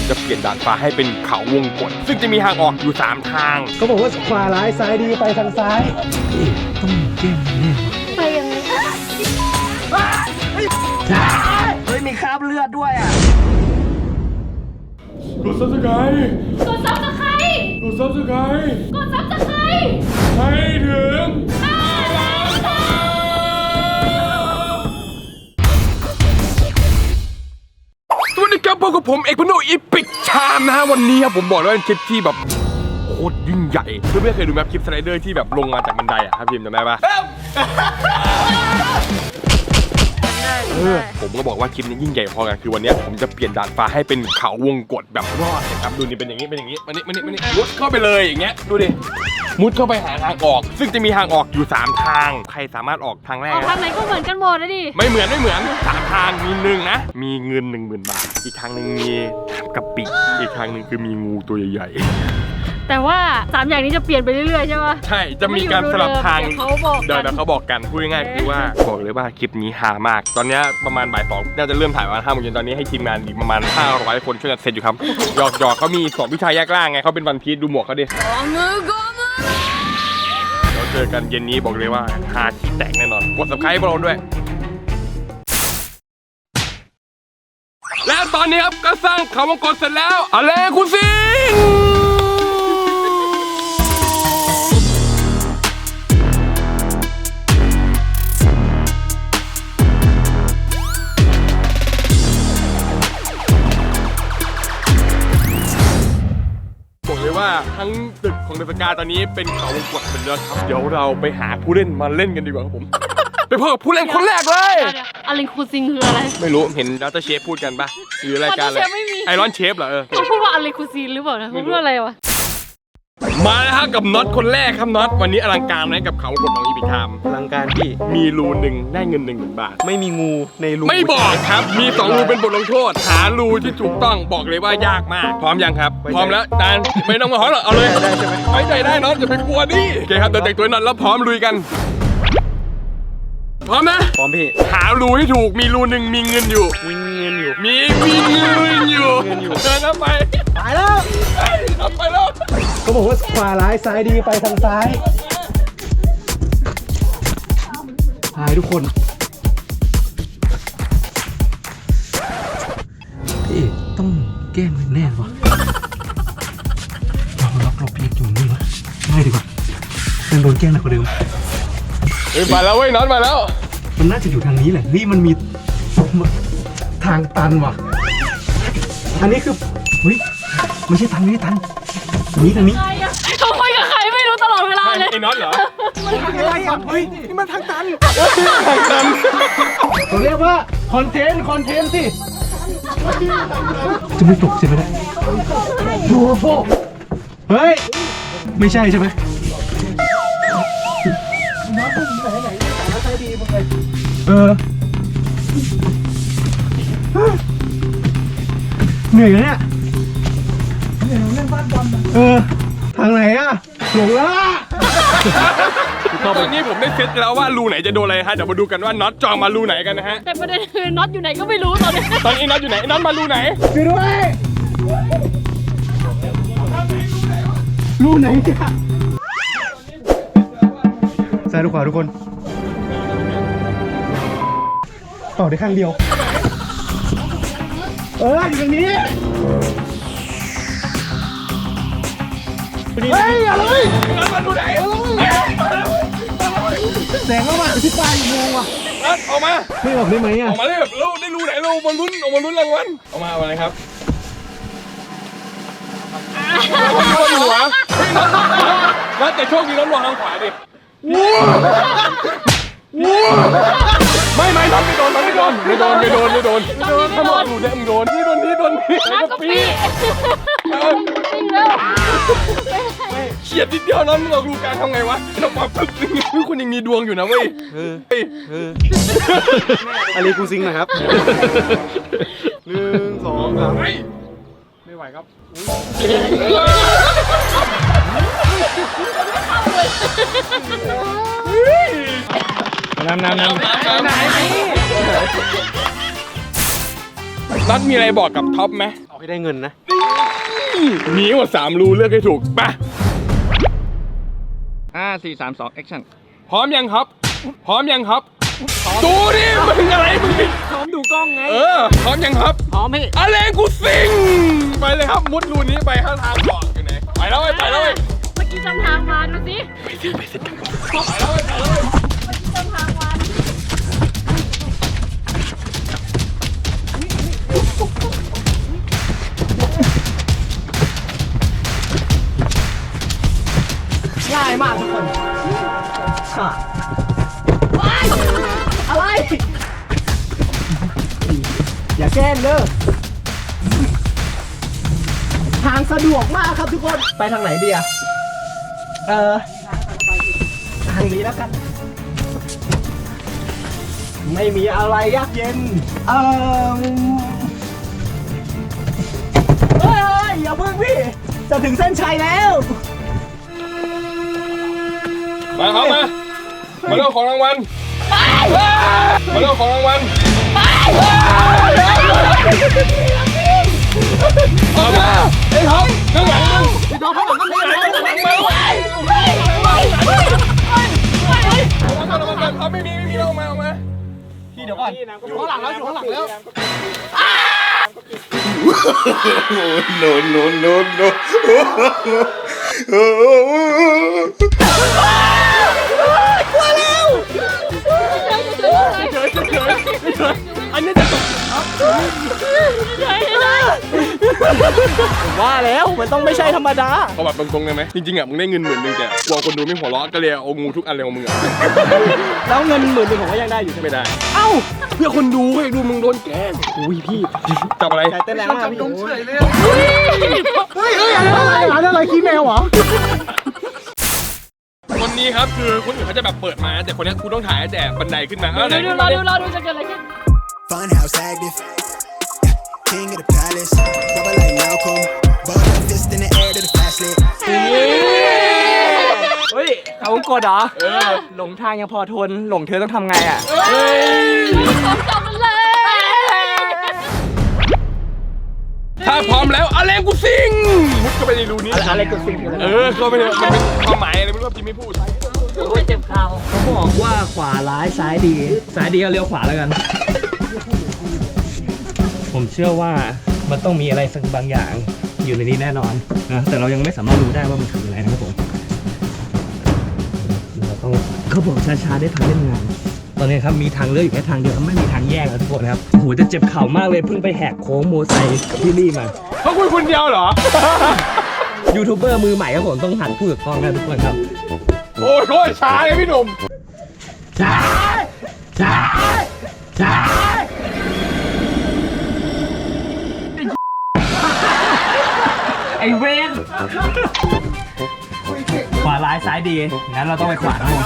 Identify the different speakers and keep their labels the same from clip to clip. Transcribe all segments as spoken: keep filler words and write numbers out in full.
Speaker 1: จะเปลี่ยนดาดฟ้าให้เป็นเขาวงกตซึ่งจะมีทางออกอยู่สามทาง
Speaker 2: เขาบอกว่าขวาร้ายซ้ายดีไปทางซ้ายต้องแก้มแน่
Speaker 3: ไปยังไง
Speaker 2: เฮ้ยมีคราบเลือดด้วยอ่ะ
Speaker 1: กดซับสไครต์
Speaker 3: กดซับสไครต์
Speaker 1: กดซับสไครต์
Speaker 3: กดซับสไครต์
Speaker 1: ให้ถึง
Speaker 3: ห้าล้านซับ
Speaker 1: สวัสดีครับพบกับผมเอกพนุอีพิกชามนะฮะวันนี้ครับผมบอกเลยว่าเป็นคลิปที่แบบโคตรยิ่งใหญ่เพื่อนๆเคยดูไหมคลิปสไลเดอร์ที่แบบลงมาจากบันไดอะครับพิมจำได้ปะเออผมก็บอกว่าคลิปนี้ยิ่งใหญ่พอกันคือวันนี้ผมจะเปลี่ยนดาดฟ้าให้เป็นเขาวงกตแบบรอดนะครับดูนี่เป็นอย่างนี้เป็นอย่างนี้มานี่มานี่มานี่มุดเข้าไปเลยอย่างเงี้ยดูดิมุดเข้าไปหาทางออกซึ่งจะมีทางออกอยู่สามทางใครสามารถออกทางแรก
Speaker 3: ออกทางไหนก็เหมือนกันหมดนะดิ
Speaker 1: ไม่เหมือนไม่เหมือนสามทางมีหนึ่งนะมีเงินหนึ่งหมื่นบาทอีกทางหนึ่งมีกะปิอีกทางหนึ่งคือมีงูตัวใหญ่ๆ
Speaker 3: แต่ว่าสามอย่างนี้จะเปลี่ยนไปเรื่อยๆใช่ไหม
Speaker 1: ใช่จะมีการสลับทาง
Speaker 3: เขาบอก
Speaker 1: เดี๋ยวเขาบอกกันพูดง่ายๆคือว่าบอกเลยว่าคลิปนี้ฮามากตอนนี้ประมาณบ่ายสองน่าจะเริ่มถ่ายวันห้าโมงเย็นตอนนี้ให้ทีมงานอีกประมาณห้าร้อยคนช่วยกันเสร็จอยู่ครับหยอกหยอกเขามีสองวิชาแยกล่างไงเขาเป็นวันพีชดูหมวกเขาดิ
Speaker 3: มือก็มือ
Speaker 1: เราเจอกันเย็นนี้บอกเลยว่าฮาที่แตกแน่นอนกด ซับสไครบ์ พวกเราด้วยและตอนนี้ครับก็สร้างเขาวงกตเสร็จแล้วอะไรคุณซิงบอกเลยว่าทั้งตึกของเดอะสกาตอนนี้เป็นเขาวงกตเป็นแล้วครับเดี๋ยวเราไปหาผู้เล่นมาเล่นกันดีกว่าครับผมไปพบกับผู้เล่นคนแรกเลย
Speaker 3: อะไรคูซิงคืออะไร
Speaker 1: ไม่รู้เห็นดัตเตอร์เชฟพูดกันปะหรือรายการอะไรไอรอนเชฟเหรอเออ
Speaker 3: เขาพูดว่าอะไรคูซินหรือเปล่านะเขาพูดอะไรวะ
Speaker 1: มาแล้วครับกับน็อตคนแรกครับน็อตวันนี้อลังการไหมกับเขาวงกตของอีพิทาม
Speaker 2: อลังการพี่
Speaker 1: มีรูหนึ่งได้เงินหนึ่งหมื่นบาท
Speaker 2: ไม่มีงูในรู
Speaker 1: ไม่บอกครับมีสองรูเป็นบทลงโทษหารูที่ถูกต้องบอกเลยว่ายากมากพร้อมยังครับพร้อมแล้วดานไม่ต้องมาหอหรอกเอาเลย
Speaker 2: ได้ใช่ไหม
Speaker 1: ไว้ใจได้น็อตอย่าไปกลัวดิโอเคครับเดี๋ยวแต่งตัวน็อตแล้วพร้อมลุยกันพร้อมนะ
Speaker 2: พร้อมพี่
Speaker 1: หารูให้ถูกมีรูหนึ่งมีเงินอยู่
Speaker 2: มีเงินอยู่
Speaker 1: มีมีเงินอยู่เดินเข้าไป
Speaker 2: ไปแล้ว
Speaker 1: ไปแล้ว
Speaker 2: เขาบอกว่าขวาร้ายซ้ายดีไปทางซ้ายหายทุกคนพี่ต้องแก้มแน่วะเราล็อกเราเพียกอยู่นี่วะง่ายดีกว่ายังโดนแกล้งหนักกว่าเดิม
Speaker 1: เฮ้ยมาแล้วเว้ยน็อตมาแล้ว
Speaker 2: มันน่าจะอยู่ทางนี้แหละนี่มันมีทางตันว่ะอันนี้คือเฮ้ยไม่ใช่ทางนี้ตันทางนี้ทางนี้
Speaker 3: เขาคุยกับใครไม่รู้ตลอดเวลาเลย
Speaker 1: ไอ้น็อตเหรอ
Speaker 2: อะไรอ่ะเฮ้ยนี่มันทางตันทางตันเขาเรียกว่าคอนเทนต์คอนเทนต์สิจะไม่ตกใช่ไหมเนี่ยโอ้โหเฮ้ยไม่ใช่ใช่ไหมเออเหนื่อยเนี่ยเออทางไหนอะหลงแล้ว
Speaker 1: ตอนนี้ผมได้เซตแล้วว่ารูไหนจะโดนอะไรฮะเดี๋ยวมาดูกันว่าน็อตจองมารูไหนกันนะฮะ
Speaker 3: แต่ประเด็นคือน็อตอยู่ไหนก็ไม่รู้ตอนนี้
Speaker 1: ตอนนี้น็อตอยู่ไหนน็อตมารูไหน
Speaker 2: ช่วยด้วยรูไหนจ้ะซ้ายหรือขวาทุกคนต่อได้ข้างเดียวเอออยู่ตรงนี้เฮ้ยอะไร
Speaker 1: มาดูไหน
Speaker 2: แสงเข้ามาที่ปลายอีกโมงว่ะ
Speaker 1: ออกมา
Speaker 2: ไม่ออกได้ไหมอ่ะ
Speaker 1: ออกมาได้แบบเราได้รู้ไหนเรามาลุ้นออกมาลุ้นรางวัลออกมาอะไรครับหัวแล้วแต่โชคดีแล้วลงทางขวาดิไม่ไม่น็อตไม่โดนน็อตไม่โดนไม่โดนไม่โดนไม่โดนไม่โดนถ้าน็อตอยู่เนี่ยมึงโดนนี่โดนนี่โดนนี่
Speaker 3: น้ำกะปิ
Speaker 1: เฉียดนิดเดียวนั้นเราดูการทำไงวะเราปรับปึ๊บนี่คุณยังมีดวงอยู่นะเว้ย
Speaker 2: เออเอออะไรกูซิงนะครับหนึ่งสองสาม
Speaker 1: ไม่ไหวครับ
Speaker 2: น้ำน้ำน้ำไหน
Speaker 1: น็อตมีอะไรบอกกับท็อปไหม
Speaker 2: เอาให้ได้เงินนะ
Speaker 1: มีหมดสามรูเลือกให้ถูกไป
Speaker 4: ห้าสี่สามสองแอคชั่น
Speaker 1: พร้อมยังครับ พร้อมยังครับดูดิมึงอะไรมึง
Speaker 4: พร้อมดูกล้องไง
Speaker 1: เออพร้อมยังครับ
Speaker 4: พร้อมพี่
Speaker 1: อะไรกูสิงไปเลยครับมุดรูนี้ไปข้างทางเกาะอยู่ไหนไปแล้วไปแล้วไป
Speaker 3: เมื่อกี้จำทางมาดูสิ
Speaker 1: ไปสิไปสิไปแล้วไปแล้ว
Speaker 3: จำทางมา
Speaker 2: ง่ายมากทุกคนค่ะอะไร อย่าแกล้งเด้อทางสะดวกมากครับทุกคน ไปทางไหนดีอะเออทางนี้แล้วกัน ไม่มีอะไรยากเย็น เออเฮ้ยอย่าเพิ่งพี่ จะถึงเส้นชัยแล้ว
Speaker 1: มาครับมามาเรื่องของรางวัลมาเรื่องของรางวัลเอามาไอ้ท็อปข้างหลังมึงไอ้ท็อปข้างหลังข้างหลังข้างหลังมาเอาไม่มีไม่มีเอามาเอามาพี่เดี๋ยวก่อนอยู่ข้างหลังแล้วอยู่ข้างหลังแล้ว
Speaker 5: no, no, no, no.
Speaker 1: อันนี้จะตก
Speaker 2: ว่าแล้วมันต้องไม่ใช่ธรรมดา
Speaker 1: เอาแบบตรงๆเลยไหมจริงๆอ่ะมึงได้เงินหมื่นหนึ่งแต่กลัวคนดูไม่หัวเราะก็เลยเอางูทุกอันเลยของมึงอ่ะ
Speaker 2: แล้วเงินหมื่นหนึ่งผมก็ยังได้อยู่ใช่ไหม
Speaker 1: ไม่ได้เอ้าเพื่อคนดูเพื่อดูมึงโดนแกล้งอุ้ยพี่จับอะไร
Speaker 2: ใจเต้นแรงมากพี่เฉยเลยเฮ้ยเฮ้ยอะไรอะไรอะไรขี้แมวเหรอ
Speaker 1: คนนี้ครับคือคนอื่นเขาจะแบบเปิดมาแต่คนนี้กูต้องถ่ายแต่บันไดขึ้นมาเอาไหน
Speaker 3: ดู
Speaker 1: ขึ้น
Speaker 3: รอ
Speaker 1: มาดิ
Speaker 3: ดูรอดูจะเกิดอะไรขึ้น
Speaker 5: Funhouse active. King of the palace. Rubber like Malcolm. Ball like fist in the air to the flashlight.
Speaker 4: เฮ้ยเขากดเหรอ
Speaker 1: เออ
Speaker 4: หลงทางยังพอทน หลงเธอต้องทำไงอ่ะ
Speaker 1: เฮ้ย
Speaker 3: ของจับมันเลย
Speaker 1: ถ้าพร้อมแล้วอะไรกูซิงมุดเข้าไปในรูนี้
Speaker 2: อะไรกูสิง
Speaker 1: เออเข้าไปเลยมันเป็นความหมายอะไรไม่รู้ว่าพี่ไม่พูด
Speaker 4: เจ็บเข่า
Speaker 2: เขาบอกว่าขวาร้ายซ้ายดี ซ้ายดีก็เลี้ยวขวาแล้วกัน ผมเชื่อว่ามันต้องมีอะไรสักบางอย่างอยู่ในนี้แน่นอนนะแต่เรายังไม่สามารถรู้ได้ว่ามันคืออะไรนะครับผมเราต้องเขาบอกช้าๆได้ทางเล่นงาน ตอนนี้ครับมีทางเลือกอยู่แค่ทางเดียวไม่มีทางแยกแล้วทุกคนครับโอ้โหจะเจ็บเข่ามากเลยเพิ่งไปแหกโค้งโมไซค์ที่นี่มา
Speaker 1: เพราะคุณคนเดียวเหรอ
Speaker 2: ยูทูบเบอร์มือใหม่ครับผมต้องหันพูดกับกล้องนะทุกคนครับ
Speaker 1: โอ้ยโคตรช้าเลยพี่หนุ่ม
Speaker 2: ช้าช้าช้าไอเวนขวาร้ายซ้ายดีงั้นเราต้องไปขวาครับผม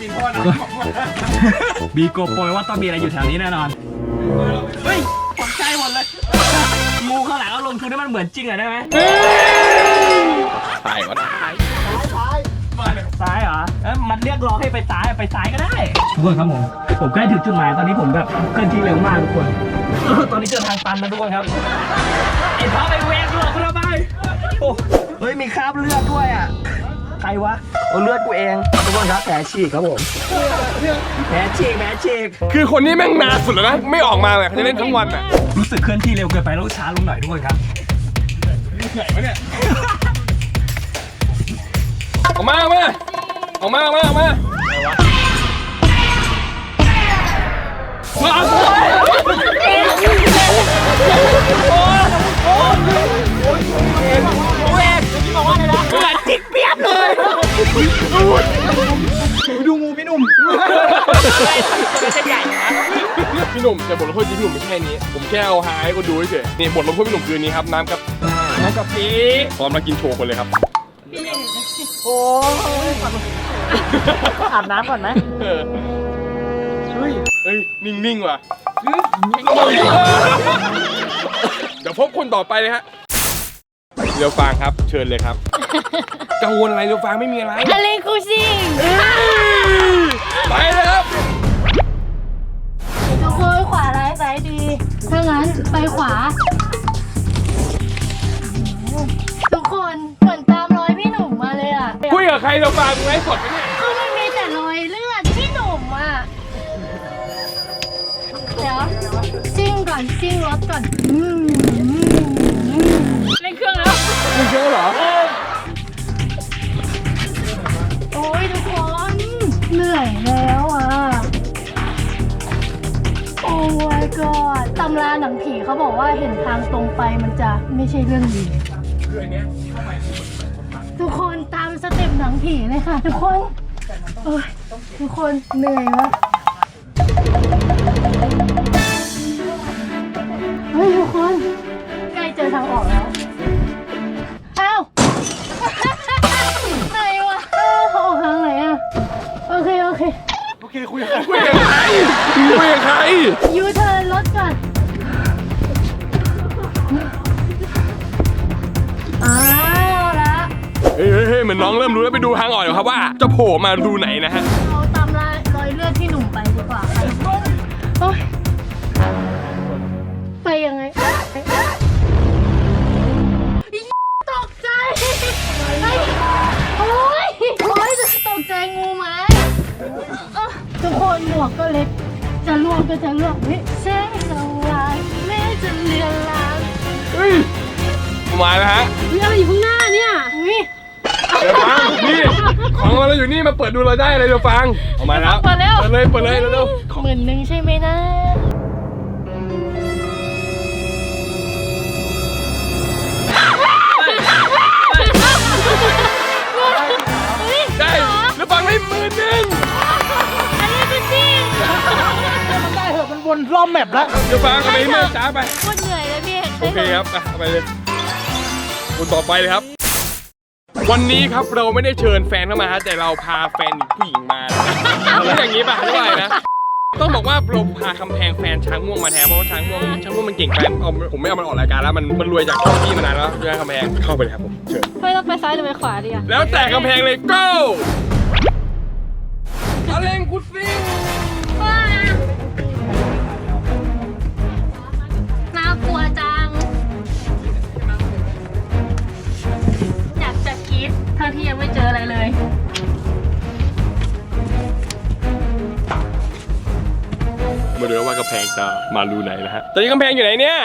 Speaker 2: บีโกโปรยว่าต้องมีอะไรอยู่แถวนี้แน่นอนเฮ้ยตกใจหมดเลยงูข้างหลังเอาลงทุนให้มันเหมือนจริงหน่อยได้ไหม
Speaker 1: ตายก่อน
Speaker 2: ซ้ายเหรอเอ้ยมันเรียกร้องให้ไปซ้ายไปซ้ายก็ได้ทุกคนครับผมผมใกล้ถึงจุดหมายตอนนี้ผมแบบเคลื่อนที่เร็วมากทุกคนตอนนี้เจอทางตันนะทุกคนครับไอ้ท้อไปแหวกหลอกกูทำไมโอ้เฮ้ยมีคราบเลือดด้วยอ่ะใครวะโอ้เลือดกูเองทุกคนครับแผลฉีกครับผมแผลฉีกแผลฉีก
Speaker 1: คือคนนี้แม่งนานสุดแล้วนะไม่ออกมาเลยเขาจะเล่นทั้งวันอ่ะ
Speaker 2: รู้สึกเคลื่อนที่เร็วเกินไปแล้วช้าลงหน่อยทุกคนครับ
Speaker 1: เหนื่อยวะเนี่ยออกมาออกมาออกมาออกมาออกมาดูงูพี่หนุ่มพี่หนุ่มแต่บทลงโทษจริงพี่หนุ่มไม่ใช่นี้ผมแค่เอาหาให้คนดูเฉยนี่บทลงโทษพี่หนุ่มคือนี้ครับน้ำกับน้ำกับปีพร้อมแล้วกินโชว์คนเลยครับ
Speaker 2: โอ้ยอาบน้ำก่อนไหม
Speaker 1: เออเฮ้ยเฮ้ยนิ่งๆว่ะเดี๋ยวพบคนต่อไปเลยฮะเรียวฟางครับเชิญเลยครับกังวลอะไรเรียวฟางไม่มีอะไร
Speaker 3: อะไรคูซิง
Speaker 1: ไปเลยครับ
Speaker 3: จะเคยขวาร้ายซ้ายดี ถ้างั้นไปขวา
Speaker 1: รเราฟังไว้สดไหมเนี่ย
Speaker 3: คือมันมีแต่รอยเลือดพี่หนุ่มอ่ะ เดี๋ยวซิ่งก่อนซิ่งรถก่อนอืมอืมอืมเล่นเครื่องแล้ว
Speaker 4: มึงเยอะเหรอ
Speaker 3: โอ้ยทุกคน เหนื่อยแล้วอ่ะ โอ้ my god ตำราหนังผีเขาบอกว่าเห็นทางตรงไปมันจะไม่ใช่เรื่องดี
Speaker 1: คืออันเนี้ย
Speaker 3: ทุกคนตามสเต็ปหนังผีเลยค่ะทุกคนโอ้ยทุกคนเหนื่อยวะเฮ้ยทุกคนใกล้เจอทางออกแล้วอ้าวไหนวะอ้าวเขาออกทางไหนอะโอเคโอเค
Speaker 4: โอเคคุยกัน
Speaker 1: คุยกับใครคุยกับใคร
Speaker 3: ยูเทิร์นรถก่อนอ้าวละ
Speaker 1: เฮ้ยเฮ้ยเฮ้ยเหมือนน้องเริ่มรู้แล้วไปดูทางออกอยู่ครับว่าจะโผล่มาดูไหนนะฮะ
Speaker 3: เราตามรอยรอยเลือดที่หนุ่มไปดีกว่าค่ะโอ๊ยไปยังไงอีตกใจไอ้โอ๊ยโอ๊ยตกใจงูไหมเอ้อทุกคนหมวกก็เล็ก จะล่วงก็จะล่วงเฮ้ยแสงสว่างแม้จะเลือนลาง
Speaker 1: เฮ้ยมาแล้วฮะ
Speaker 3: เรื่องอะไรอยู่ข้างหน้าเนี่ยอุ้ย
Speaker 1: เดี๋ยวฟังนี่ของเราอยู่นี่มาเปิดดูเราได้เลยเดี๋ยวฟังออกมาแล้ว
Speaker 3: เปิดแล้ว
Speaker 1: เปิดเลยเปิดเลยเร็วๆ
Speaker 3: หมื่นหนึ่งใช่ไหมนะอุ๊ย
Speaker 1: ได้แล้วฟังได้หมื่นหนึ่ง
Speaker 3: อันนี้เป็นจริง
Speaker 4: มันได้เหอะมันวนรอบแมปแล้ว
Speaker 1: เดี๋ยวฟังเอาไปให้แม่จ้าไป
Speaker 3: โคตรเหนื่อยเลยพี่
Speaker 1: โอเคครับไปเอาไปเลยคนต่อไปเลยครับ วันนี้ครับเราไม่ได้เชิญแฟนเข้ามาฮะแต่เราพาแฟนผู้หญิงมาเอาแล้วอย่างนี้ป่ะไม่ไหวนะ ต้องบอกว่าเราพาคำแพงแฟนช้างม่วงมาแทนเพราะว่าช้างม่วงช้างม่วงมันเก่งแฟนเอาผมไม่เอามันออกรายการแล้วมันมันรวยจากช่องพี่มานานแล้วด้วยคำแพงเข้าไปเลยครับผมเชิญ
Speaker 3: ไม่ต้องไปซ้ายหรือไปขวาดีอะ
Speaker 1: แล้วแต่กำแพงเลย go อเลงกุซิง
Speaker 3: น่ากลัวจัง อยากจะกรี๊ดทั้งที่ยังไม่เจออะไรเลย
Speaker 1: มาดูว่ากำแพงจะมารูไหนนะฮะตอนนี้กำแพงอยู่ไหนเนี่ย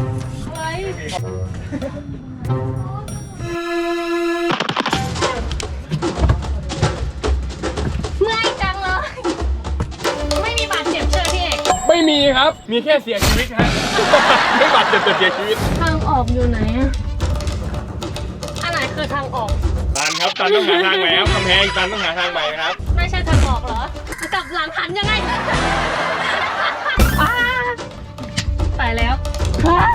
Speaker 3: เมื่อยจังเลย ไม่มีบาดเจ็บเชื่อพี่เอก
Speaker 1: ไม่มีครับ มีแค่เสียชีวิตฮะ ไม่บาดเจ็บแต่เสียชีวิต
Speaker 3: ทางออกอยู่ไหนอะอันไหนคือทางออก
Speaker 1: ตันครับตันต้องหาทางใหม่ครับกำแพงตันต้องหาทางใหม่ครับ
Speaker 3: ไม่ใช่ทางออกเหรอ กลับหลังหันยังไงอ้าไปแล้วฮะ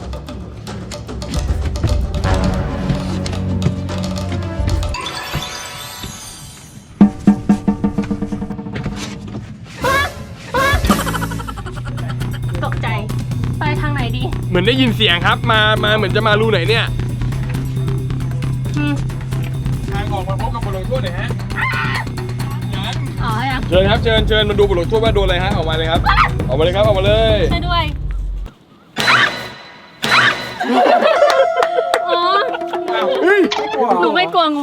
Speaker 3: ตกใจ ไปทางไหนดี
Speaker 1: เหมือนได้ยินเสียงครับ มามาเหมือนจะมารูไหนเนี่ย
Speaker 3: อืม
Speaker 1: ทางออกมาพบกับบทลงโทษหน่อยฮะงั้น
Speaker 3: อ๋อยัง
Speaker 1: เชิญครับเชิญเชิญมาดูบทลงโทษว่าโดนอะไรฮะออกมาเลยครับ ออกมาเลยครับออกมาเลย
Speaker 3: ช่วยด้วย อ๋อ
Speaker 1: เฮ้ย
Speaker 3: หนูไม่กลัวงู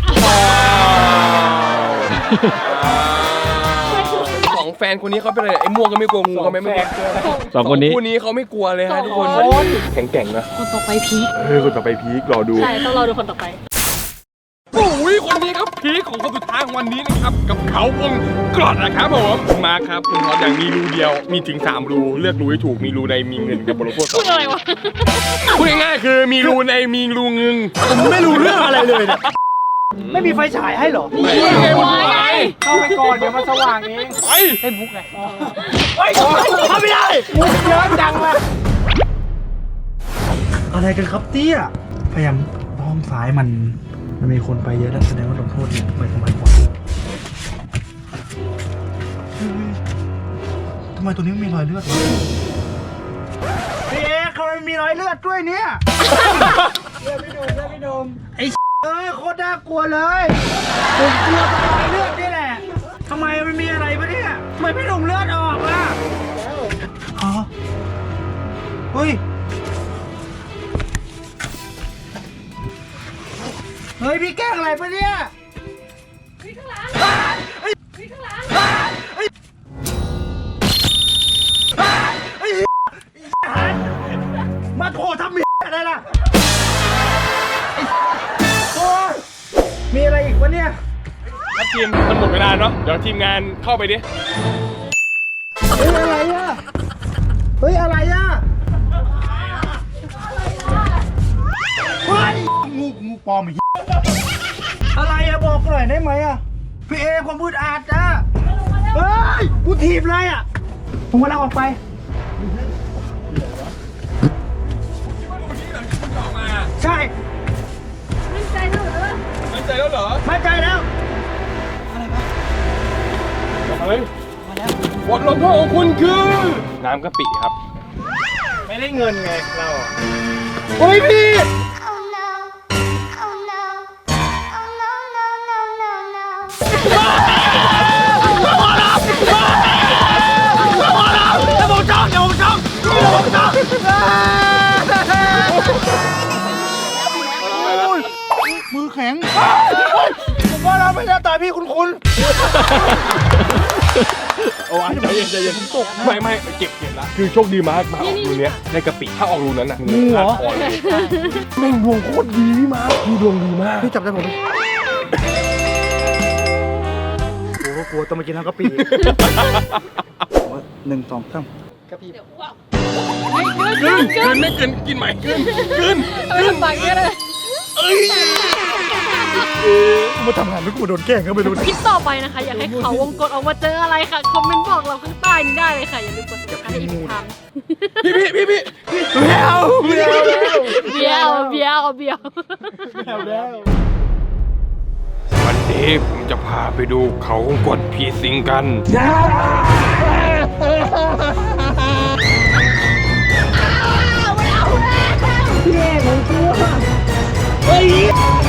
Speaker 1: สองแฟนคนนี้เขาเป็นอะไรไอ้ม่วงก็ไม่กลัวงูเขาไม่ไม่กลัว
Speaker 2: สองคนนี้
Speaker 1: คู่นี้เขาไม่กลัวเลยฮะทุกคน
Speaker 3: สองคน
Speaker 1: แข็งแกร่งนะ
Speaker 3: คนต่อไปพีค
Speaker 1: เออคนต่อไปพีครอดู
Speaker 3: ใช่ ต้องรอดูคนต่อไป
Speaker 1: โอ้ยคนนี้ครับพีคของคนสุดท้ายของวันนี้นะครับกับเขาวงกรดนะครับผมมาครับคุณพออย่างมีรูเดียวมีถึงสามรูเลือกรูให้ถูกมีรูในมีเงินกับบทลงโทษ
Speaker 3: พูดอะไรวะ
Speaker 1: พูดง่ายๆคือมีรูในมีรูเงิน
Speaker 4: ผมไม่รู้เรื่องอะไรเลยเนี่ยไม่มีไฟฉายให้เหรอ
Speaker 1: ไม่ไงวะไง
Speaker 4: เข้าไปก่อนเดี๋ยวมันสว่างเอง
Speaker 1: ไป
Speaker 4: ให้มุกไงเฮ้ยเข้าไม่ได้มุกเยอะจังวะอะไรกันครับเตี้ยพยายามห้องซ้ายมันมันมีคนไปเยอะแล้วแสดงว่าลงโทษเนี่ยไปทำไมก่อนทำไมตัวนี้มีรอยเลือดวะพี่เอ๊ะทำไมมีรอยเลือดด้วยเนี่ยเลือดไม่โดนเลือดไม่โดนไอ้เอ้ยโคตรน่ากลัวเลยผมกลัวตรอยเลือดนี่แหละทำไมมันมีอะไรปะเนี่ยทำไมพี่หนุ่มเลือดออกล่ะอ๋อเฮ้ยเฮ้ยพี่แกล้งอะไรปะเนี่ยมาโผล่ทำมีอะไรล่ะไอ้โอ้ยมีอะไรอีกวะเนี่ย
Speaker 1: ครับทีมมันหมดเวลาเนาะเดี๋ยวทีมงานเข้าไปดิ
Speaker 4: เฮ้ยอะไรอ่ะเฮ้ยอะไรอ่ะเฮ้ยงูงูปลอมอีกอะไรอะบอกหน่อยได้ไหมอะพี่เอความมืดอาดจ้ะเฮ้ยกูถีบเลยอะผมว่าเราออกไปใช่
Speaker 3: มั่นใจแล้วเหรอ
Speaker 1: มั่นใจแล้วเหรอ
Speaker 4: มั่นใจแล้ว
Speaker 1: อะไรมาแล้วบทลงโทษของคุณคือน้ำกะปิครับ
Speaker 4: ไม่ได้เงินไงเราโอ้ยพี่
Speaker 3: Oh no Oh no Oh no no no no no
Speaker 4: อย่าบอกจ้องอย่าบอกจ้องอย่าบอกจ้องมือแข็งผมว่าเราไม่ได้ตายพี่คุณคุณ
Speaker 1: โอ้ยใจเย็นใจเย็นตกไม่ไม่เก็บเก็บละคือโชคดีมากมาออกรูเนี้ยในกะปิถ้าออกรูนั้นน่ะงูเหรอแม่งดวงโคตรดีพี่มาพี่ดวงดีมาก
Speaker 4: พี่จับได้ผมโอ้กลัวต้องมากินทั้งกะปิหนึ่งสองสามกะปิ
Speaker 1: กินกินไม่กินกินใหม่กินกิน
Speaker 3: ไม่ลำบากเยอะเลย
Speaker 1: เอ้ย
Speaker 4: กูมาทำงานแล้วกูมาโดนแกล้งก็ไม่รู้
Speaker 6: คลิปต่อไปนะคะ อยากให้เขาวงกดออกมาเจออะไรค่ะ คอมเมนต์บอกเราข้างใต้นี้ได้เลยค่ะ อย่าลืมกดติดตามให้อีกครั้ง
Speaker 1: พี่พี่พี่พี่
Speaker 4: แมวแมว
Speaker 6: เบี้ยวเบี้ยวเบี้ยว
Speaker 4: แมวแล้ว
Speaker 1: วันนี้ผมจะพาไปดูเขากดผีสิงกัน
Speaker 4: เฮ้ย